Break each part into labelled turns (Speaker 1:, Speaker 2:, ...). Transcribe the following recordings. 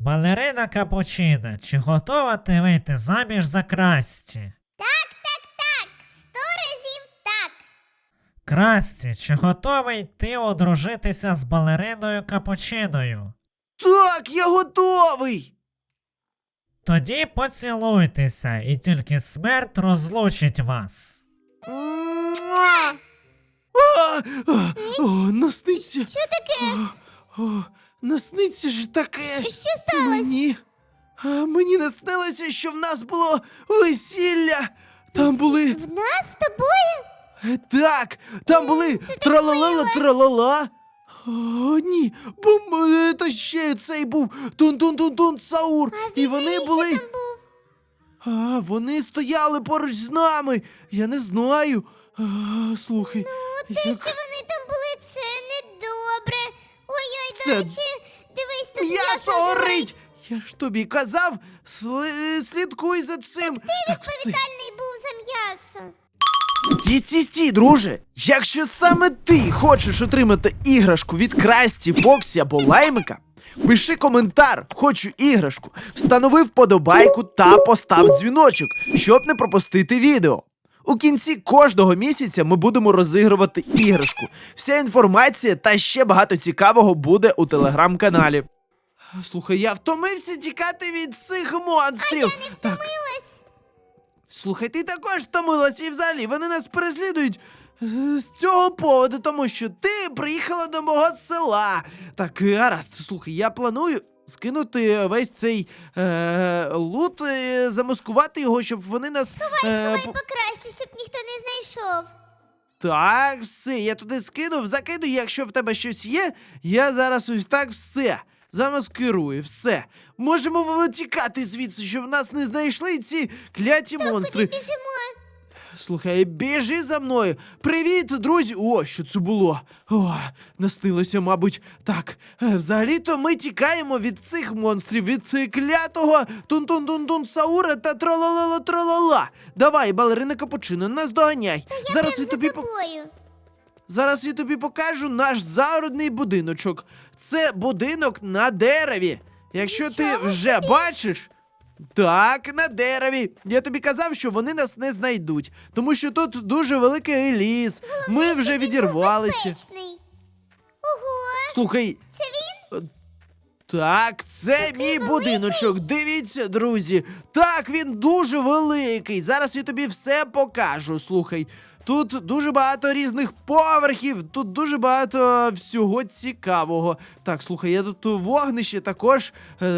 Speaker 1: Балерина Капучина, чи готова ти вийти заміж за Красті?
Speaker 2: Так, 100 разів так.
Speaker 1: Красті, чи готовий ти одружитися з балериною Капучиною?
Speaker 3: Так, я готовий!
Speaker 1: Тоді поцілуйтеся, і тільки смерть розлучить вас.
Speaker 3: Муа! Насниться!
Speaker 2: Що таке?
Speaker 3: Насниться ж таке!
Speaker 2: Що сталося?
Speaker 3: Мені наснилося, що в нас було весілля! Там були...
Speaker 2: В нас з тобою?
Speaker 3: Так! Там були тралала-тралала! О, ні, бо це ще цей був Тун-тун-тун-тун Саур! І вони були...
Speaker 2: Що там був?
Speaker 3: Вони стояли поруч з нами! Я не знаю! Слухай...
Speaker 2: Те, що вони там були, це недобре. Ой-ой,
Speaker 3: Це-
Speaker 2: до речі, дивись, тут
Speaker 3: М'ясо горить! Я ж тобі казав, слідкуй за цим! Так, все.
Speaker 2: Відповідальний був за м'ясо.
Speaker 3: Стій, друже! Якщо саме ти хочеш отримати іграшку від Красті, Фоксі або Лаймика, пиши коментар «Хочу іграшку», встанови вподобайку та постав дзвіночок, щоб не пропустити відео. У кінці кожного місяця ми будемо розігрувати іграшку. Вся інформація та ще багато цікавого буде у телеграм-каналі. Слухай, я втомився тікати від цих монстрів.
Speaker 2: Я не втомилась.
Speaker 3: Слухай, ти також втомилась і взагалі вони нас переслідують з цього поводу, тому що ти приїхала до мого села. Так, гаразд, слухай, я планую скинути весь цей лут, замаскувати його, щоб вони нас...
Speaker 2: Сховай покраще, щоб ніхто не знайшов.
Speaker 3: Так, все, я туди скинув, закидую, якщо в тебе щось є, я зараз ось так все замаскирую, все. Можемо тікати звідси, щоб нас не знайшли ці кляті монстри.
Speaker 2: Куди біжимо?
Speaker 3: Слухай, біжи за мною. Привіт, друзі. О, що це було? О, наснилося, мабуть. Так, взагалі-то ми тікаємо від цих монстрів, від цих клятого Тун-тун-тун-тун Саура та тралала-тралала. Давай, балерина Капучино, нас доганяй. Зараз я тобі
Speaker 2: тобою.
Speaker 3: Зараз я тобі покажу наш загородний будиночок. Це будинок на дереві. Якщо ти
Speaker 2: Нічого
Speaker 3: вже
Speaker 2: собі.
Speaker 3: бачиш... Так, на дереві. Я тобі казав, що вони нас не знайдуть, тому що тут дуже великий ліс. Ми вже відірвалися.
Speaker 2: Безпечний. Ого,
Speaker 3: Слухай,
Speaker 2: це він?
Speaker 3: так, це мій будиночок. Дивіться, друзі. Так, він дуже великий. Зараз я тобі все покажу. Слухай, тут дуже багато різних поверхів, тут дуже багато всього цікавого. Так, слухай, я тут вогнище також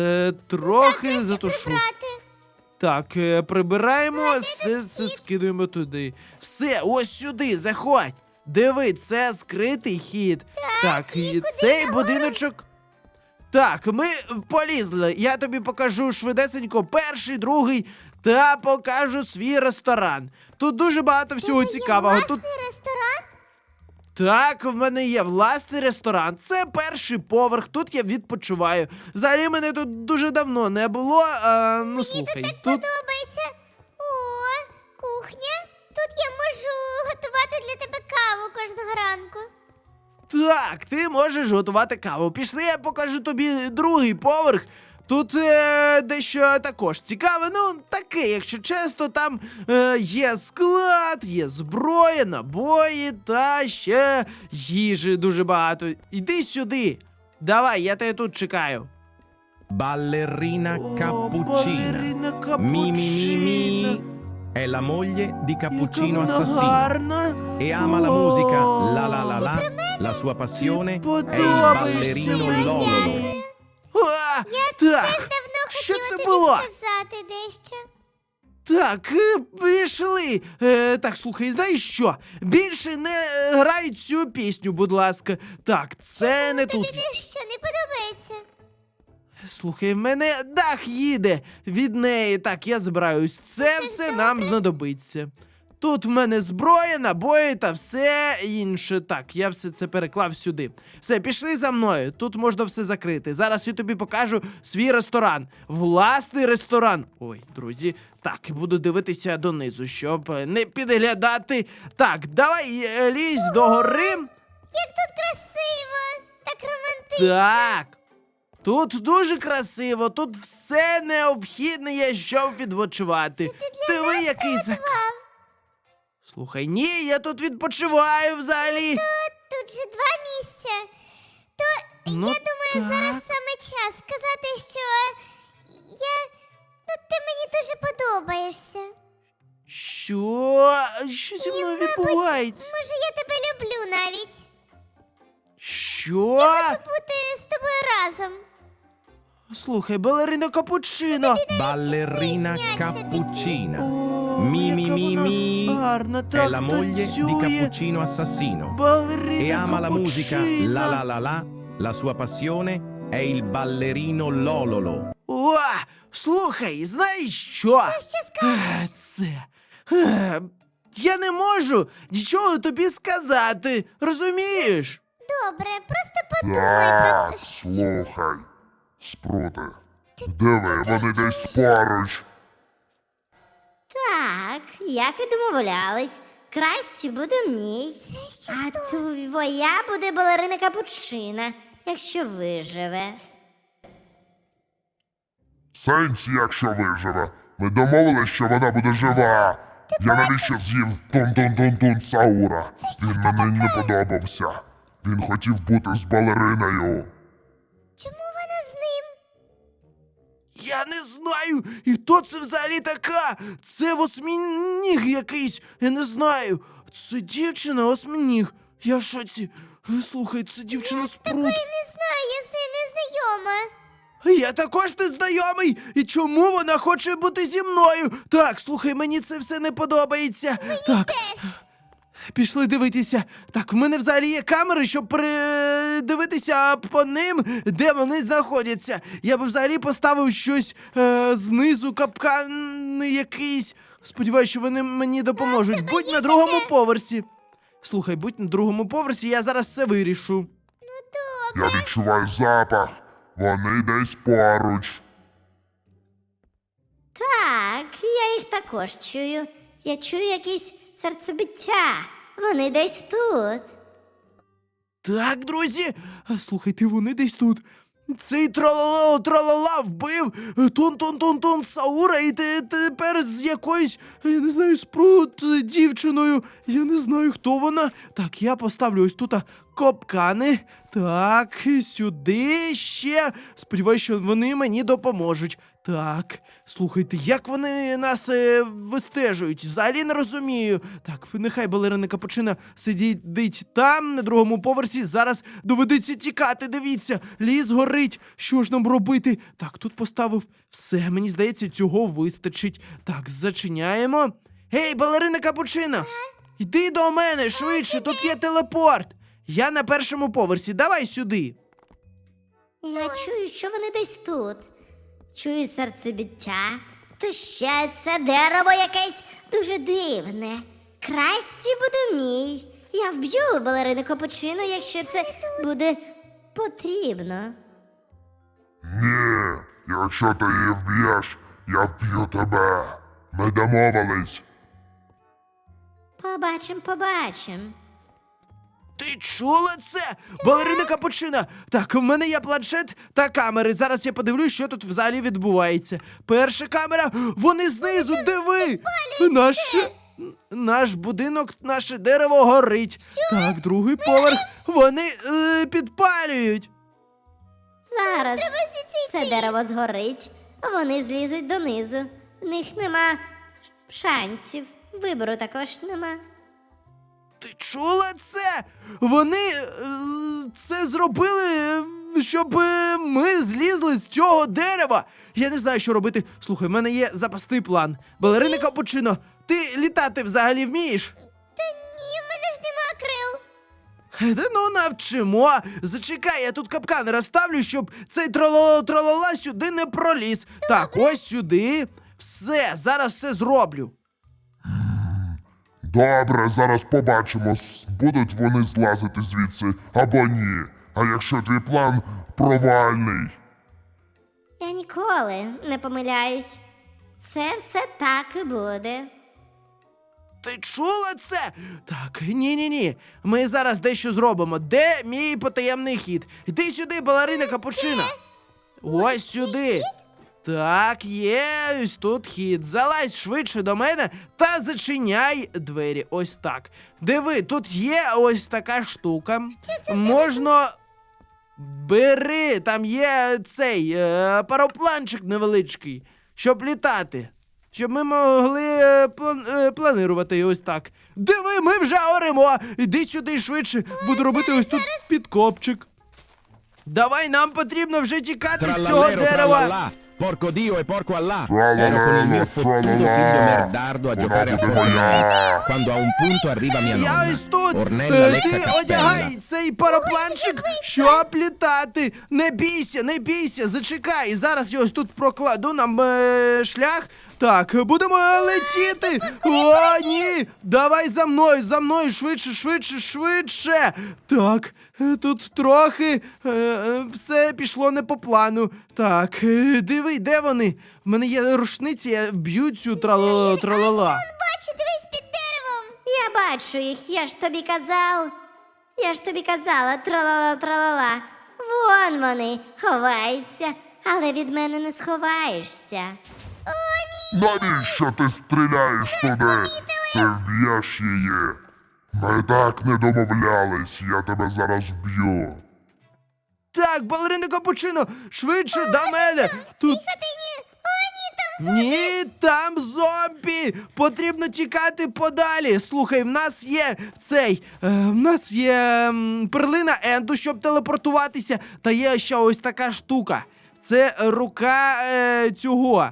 Speaker 3: трохи затушу.
Speaker 2: Прибрати.
Speaker 3: Так, прибираємо, все скидуємо туди. Все, ось сюди, заходь. Диви, це скритий хід. Так, і
Speaker 2: куди
Speaker 3: цей
Speaker 2: нагору?
Speaker 3: будиночок. Так, ми полізли. Я тобі покажу швидесенько перший, другий та покажу свій ресторан. Тут дуже багато всього цікавого.
Speaker 2: Є
Speaker 3: Тут
Speaker 2: власний ресторан?
Speaker 3: так, в мене є власний ресторан. Це перший поверх. Тут я відпочиваю. Взагалі мене тут дуже давно не було. Ну слухай, тут.
Speaker 2: Подобається. О, кухня. Тут я можу готувати для тебе каву кожного ранку.
Speaker 3: Так, ти можеш готувати каву. Пішли, я покажу тобі другий поверх. Тут дещо також цікаве, ну таке, якщо чесно, там є склад, є зброя, набої та ще їжі дуже багато. Іди сюди. Давай, я тебе тут чекаю.
Speaker 4: Ballerina
Speaker 3: Балерина
Speaker 4: Cappuccina. Mi mi mi mi. È la moglie di Cappuccino
Speaker 3: Яка вона
Speaker 4: Assassino.
Speaker 3: гарна.
Speaker 4: E ama la musica
Speaker 3: О,
Speaker 4: la la la la. La sua passione è il
Speaker 3: подобаєшся
Speaker 4: ballerino
Speaker 3: мені.
Speaker 4: Lololo.
Speaker 3: А,
Speaker 2: Теж
Speaker 3: так,
Speaker 2: давно
Speaker 3: що
Speaker 2: хотіла
Speaker 3: це
Speaker 2: тобі
Speaker 3: було?
Speaker 2: сказати дещо.
Speaker 3: Так, пішли. Так, слухай, знаєш що? Більше не грай цю пісню, будь ласка. Так, це не
Speaker 2: Тобі
Speaker 3: тут.
Speaker 2: дещо не подобається?
Speaker 3: Слухай, в мене дах їде від неї. Так, я збираюсь. Це все нам знадобиться. Тут в мене зброя, набої та все інше. Так, я все це переклав сюди. Все, пішли за мною. Тут можна все закрити. Зараз я тобі покажу свій ресторан. Власний ресторан. Ой, друзі, так, буду дивитися донизу, щоб не підглядати. Так, давай лізь до гори.
Speaker 2: Як тут красиво, так романтично.
Speaker 3: Так. Тут дуже красиво, тут все необхідне є, щоб відпочивати. Диви, який Слухай, ні, я тут відпочиваю взагалі.
Speaker 2: Тут же 2 місця. То
Speaker 3: Ну,
Speaker 2: я думаю, зараз
Speaker 3: так.
Speaker 2: саме час сказати, що ти мені дуже подобаєшся.
Speaker 3: Що? Що зі мною відбувається?
Speaker 2: Може, я тебе люблю навіть.
Speaker 3: Що?
Speaker 2: Хочу бути з тобою разом.
Speaker 3: Слухай, балерина Капучино.
Speaker 4: Ballerina cappuccina.
Speaker 3: О,
Speaker 4: Mi mi
Speaker 3: яка
Speaker 4: mi
Speaker 3: вона
Speaker 4: mi.
Speaker 3: гарна,
Speaker 4: È
Speaker 3: так
Speaker 4: la moglie di
Speaker 3: танцює.
Speaker 4: Cappuccino Assassino. E
Speaker 3: Балерина
Speaker 4: ama la musica la la
Speaker 3: Капучино.
Speaker 4: la la. La sua passione è il ballerino Lololo.
Speaker 3: О, слухай, знаєш що?
Speaker 2: Що скажеш?
Speaker 3: Це. Я не можу нічого тобі сказати, розумієш?
Speaker 2: Добре, просто подумай про
Speaker 5: Так,
Speaker 2: це.
Speaker 5: слухай, Спруте. Диви, вони десь поруч.
Speaker 6: Так, як і домовлялись. Красті буде мій, а твоя буде балерина Капучина, якщо виживе.
Speaker 5: Сенсі, якщо виживе. Ми домовились, що вона буде жива. Я навіщо з'їв тун-тун-тун-тун Саура? Він мені не подобався. Він хотів бути з балериною.
Speaker 2: Чому вона з ним?
Speaker 3: Я не знаю, і хто це взагалі така? Це восьминіг якийсь, я не знаю. Це дівчина восьминіг. Я в шоці. Слухай, це дівчина Спрут.
Speaker 2: Я не знаю, я з нею не знайома.
Speaker 3: Я також не знайомий. І чому вона хоче бути зі мною? Так, слухай, мені це все не подобається. Так. Пішли дивитися. Так, в мене взагалі є камери, щоб дивитися по ним, де вони знаходяться. Я би взагалі поставив щось знизу, капкан якийсь. Сподіваюсь, що вони мені допоможуть. Будь на другому поверсі. Слухай, будь на другому поверсі, я зараз все вирішу.
Speaker 5: Я відчуваю запах. Вони десь поруч.
Speaker 6: Так, я їх також чую. Я чую якісь серцебиття. Вони десь тут.
Speaker 3: Так, друзі, слухайте, вони десь тут. Цей тралала вбив тун-тун-тун-тун Саура, і тепер з якоюсь, я не знаю, Спрут дівчиною. Я не знаю, хто вона. Так, я поставлю ось тут капкани. Так, сюди ще. Сподіваюсь, що вони мені допоможуть. Так, слухайте, як вони нас вистежують? Взагалі не розумію. Так, нехай балерина Капучина сидить там, на другому поверсі. Зараз доведеться тікати, дивіться. Ліс горить. Що ж нам робити? Так, тут поставив все. Мені здається, цього вистачить. Так, зачиняємо. Гей, балерина Капучина! Йди до мене, швидше, тут є телепорт. Я на першому поверсі, давай сюди.
Speaker 6: Я чую, що вони десь тут. Чую серцебиття. Та ще це дерево якесь дуже дивне. Красті буде мій. Я вб'ю балерину Капучину, якщо це буде потрібно.
Speaker 5: Ні, якщо ти її вб'єш, я вб'ю тебе. Ми домовились.
Speaker 6: Побачим.
Speaker 3: Ти чула це? Балерина Капучина! Так, в мене є планшет та камери. Зараз я подивлюсь, що тут взагалі відбувається. Перша камера, вони знизу, диви! Наш будинок, наше дерево горить. Так, другий поверх, вони підпалюють.
Speaker 6: Зараз це дерево згорить, а вони злізуть донизу. В них нема шансів. Вибору також нема.
Speaker 3: Ти чула це? Вони це зробили, щоб ми злізли з цього дерева. Я не знаю, що робити. Слухай, в мене є запасний план. Балерина Капучино, ти літати взагалі вмієш?
Speaker 2: Ні, в мене ж нема крил.
Speaker 3: Та ну навчимо. Зачекай, я тут капкани розставлю, щоб цей тралала сюди не проліз. Так, ось сюди. Все, зараз все зроблю.
Speaker 5: Добре, зараз побачимо, будуть вони злазити звідси або ні. А якщо твій план провальний?
Speaker 6: Я ніколи не помиляюсь. Це все так і буде.
Speaker 3: Ти чула це? Так, ні. Ми зараз дещо зробимо. Де мій потаємний хід? Іди сюди, балерина Капучина. Ось сюди. Так, є, ось тут хід. Залазь швидше до мене та зачиняй двері. Ось так. Диви, тут є ось така штука. Можна. Бери, там є цей паропланчик невеличкий, щоб літати. Щоб ми могли планувати ось так. Диви, ми вже оремо! Іди сюди швидше, буду робити ось тут підкопчик. Давай, нам потрібно вже тікати з цього
Speaker 4: Trallallero,
Speaker 3: дерева.
Speaker 4: trallallà, porco Dio e porco Allah.
Speaker 5: Trallallero,
Speaker 4: Ero con il mio fottuto
Speaker 5: trallallà.
Speaker 4: figlio merdardo a giocare a
Speaker 5: Buona
Speaker 4: Fortnite. Quando a un punto arriva mia
Speaker 3: Я
Speaker 4: nonna.
Speaker 3: ось тут.
Speaker 4: Ornella lecca
Speaker 3: Ти
Speaker 4: cappella.
Speaker 3: одягай цей парапланчик, щоб літати. Не бійся, не бійся, зачекай. Зараз я ось тут прокладу нам шлях. Так, будемо летіти. О, ні! Давай за мною, швидше, швидше, швидше. Так, тут трохи все пішло не по плану. Так, диви, де вони? В мене є рушниці, я вб'ю цю тралала.
Speaker 2: Бачу, дивись під деревом.
Speaker 6: Я бачу їх, я ж тобі казав. Я ж тобі казала, тралала-тралала. Вон вони ховаються, але від мене не сховаєшся.
Speaker 5: Навіщо ти стріляєш туди? Ти вб'єш її. Ми так не домовлялись, я тебе зараз вб'ю.
Speaker 3: Так, балерина Капучино, швидше до мене. Тут
Speaker 2: Хатині. О, ні, там
Speaker 3: ні, там зомбі! Потрібно тікати подалі. Слухай, в нас є в нас є перлина Енду, щоб телепортуватися. Та є ще ось така штука. Це рука цього.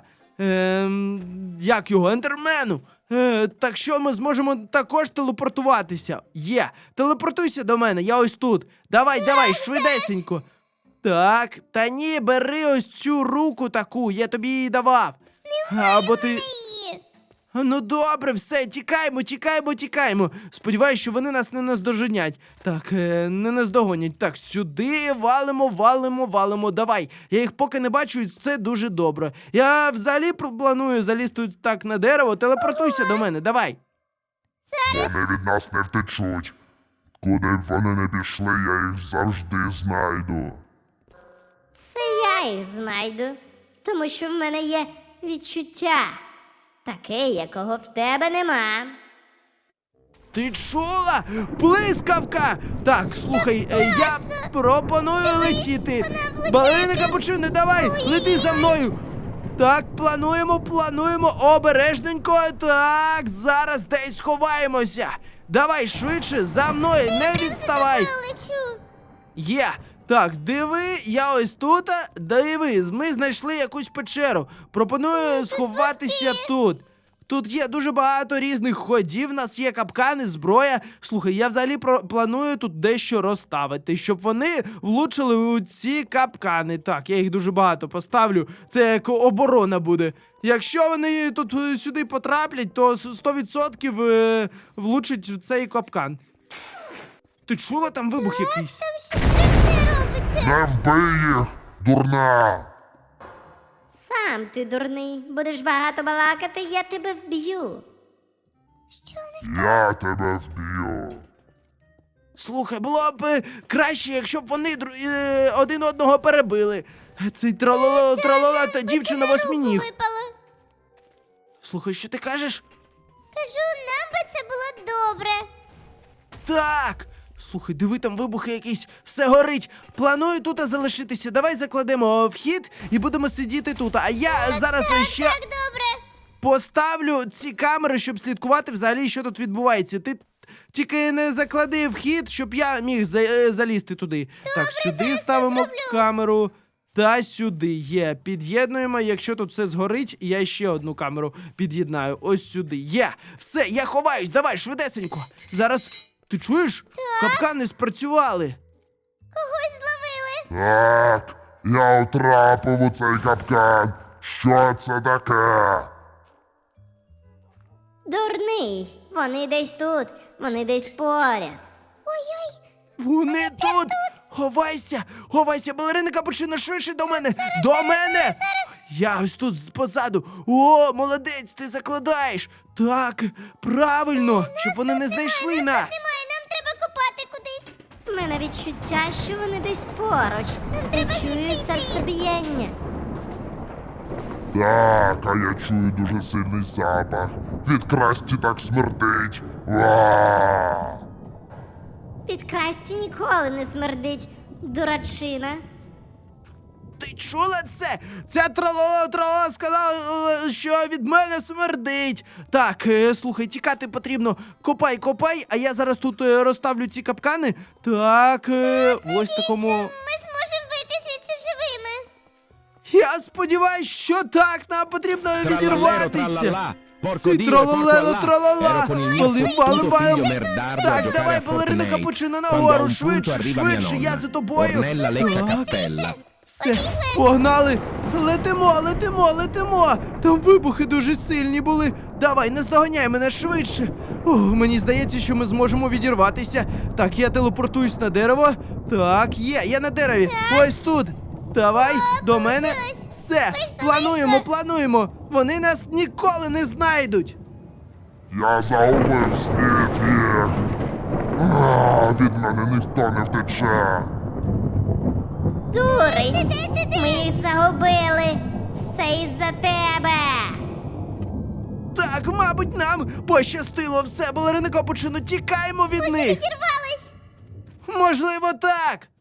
Speaker 3: Як його? Ендермену. Так що ми зможемо також телепортуватися. Є. Телепортуйся до мене, я ось тут. Давай, швидесенько. Так, та ні, бери ось цю руку таку, я тобі її давав. Або ти.
Speaker 2: її.
Speaker 3: Ну добре, все, тікаємо. Сподіваюсь, що вони нас не наздоженять. Так, не наздогонять. Так, сюди валимо. Давай. Я їх поки не бачу, і це дуже добре. Я взагалі планую залізти так на дерево. Телепортуйся до мене, давай.
Speaker 5: Вони від нас не втечуть. Куди б вони не пішли, я їх завжди знайду.
Speaker 6: Це я їх знайду, тому що в мене є відчуття. Таке, якого в тебе нема.
Speaker 3: Ти чула? Блискавка! Так, слухай, я пропоную летіти. Балерина Капучино, давай, лети за мною. Так, плануємо, обережненько. Так, зараз десь ховаємося. Давай швидше, за мною, не відставай.
Speaker 2: Лечу.
Speaker 3: Є. Так, диви, я ось тут. Диви, ми знайшли якусь печеру. Пропоную сховатися тут. Тут є дуже багато різних ходів, в нас є капкани, зброя. Слухай, я взагалі планую тут дещо розставити, щоб вони влучили у ці капкани. Так, я їх дуже багато поставлю. Це як оборона буде. Якщо вони тут сюди потраплять, то 100% влучать в цей капкан. Ти чула там вибух якийсь?
Speaker 2: Там щось страшне робиться.
Speaker 5: Не вбий їх, дурна!
Speaker 6: Сам ти дурний, будеш багато балакати, я тебе вб'ю.
Speaker 2: Що вони
Speaker 5: Я тебе вб'ю.
Speaker 3: Слухай, було б краще, якщо б вони один одного перебили. Цей тралала та дівчина восьминіг.
Speaker 2: випало?
Speaker 3: Слухай, що ти кажеш?
Speaker 2: Кажу, нам би це було добре.
Speaker 3: Так! Слухай, диви, там вибухи якісь, все горить. Планую тут залишитися. Давай закладемо вхід і будемо сидіти тут. А я зараз ще
Speaker 2: Так добре.
Speaker 3: поставлю ці камери, щоб слідкувати взагалі, що тут відбувається. Ти тільки не заклади вхід, щоб я міг залізти туди. Так, сюди ставимо камеру. Та сюди є. Під'єднуємо, якщо тут все згорить, я ще одну камеру під'єднаю. Ось сюди. Є. Все, я ховаюсь, давай, швидесенько. Зараз. Ти чуєш? Капкани спрацювали.
Speaker 2: Когось зловили.
Speaker 5: Так, я втрапив у цей капкан. Що це таке?
Speaker 6: Дурний, вони десь тут, вони десь поряд.
Speaker 2: Ой-ой.
Speaker 3: Вони тут! Ховайся, балерина Капучино, швидше до мене! До мене! Я ось тут позаду. О, молодець, ти закладаєш. Так, правильно, щоб вони не знайшли нас.
Speaker 2: Немає, нам треба копати кудись.
Speaker 6: У мене відчуття, що вони десь поруч. Я
Speaker 2: треба
Speaker 6: чую
Speaker 2: звідси йти.
Speaker 6: серцебіяння.
Speaker 5: Так, а я чую дуже сильний запах. Від Красті так смердить. Ва!
Speaker 6: Від Красті ніколи не смердить, дурачина.
Speaker 3: Ти чула це? Ця тралала сказала, що від мене смердить. Так, слухай, тікати потрібно. Копай, а я зараз тут розставлю ці капкани. Так, ось такому.
Speaker 2: Ми зможемо вийти звідси живими.
Speaker 3: Я сподіваюсь, що так, нам потрібно
Speaker 4: Trallallero,
Speaker 3: відірватися.
Speaker 4: trallallà. Porco
Speaker 3: Цей
Speaker 4: Dio, e porco
Speaker 3: тралалело,
Speaker 4: là.
Speaker 3: тралала.
Speaker 4: Ero con il mio
Speaker 3: Палим,
Speaker 4: puto
Speaker 3: палим.
Speaker 4: figlio merdardo a
Speaker 3: Так,
Speaker 4: giocare
Speaker 3: давай,
Speaker 4: a
Speaker 3: балерина
Speaker 4: Fortnite.
Speaker 3: капучино
Speaker 4: Quando a
Speaker 3: нагору,
Speaker 4: un punto
Speaker 3: швидше,
Speaker 4: arriva mia
Speaker 3: швидше, я
Speaker 4: nonna.
Speaker 3: за тобою.
Speaker 4: Ornella lecca
Speaker 3: Так.
Speaker 4: cappella.
Speaker 3: Все, погнали! Летимо! Там вибухи дуже сильні були. Давай, наздоганяй мене швидше. Ох, мені здається, що ми зможемо відірватися. Так, я телепортуюсь на дерево. Так, я на дереві. Ось тут. Давай, до мене.
Speaker 2: получилось.
Speaker 3: Все,
Speaker 2: Вийшло.
Speaker 3: плануємо. Вони нас ніколи не знайдуть.
Speaker 5: Я загубив слід їх. Від мене ніхто не втече.
Speaker 6: Дурень! Ми їх загубили! Все із-за тебе!
Speaker 3: Так, мабуть, нам пощастило все, балерина капучино, тікаємо від них.
Speaker 2: Відірвались.
Speaker 3: Можливо, так.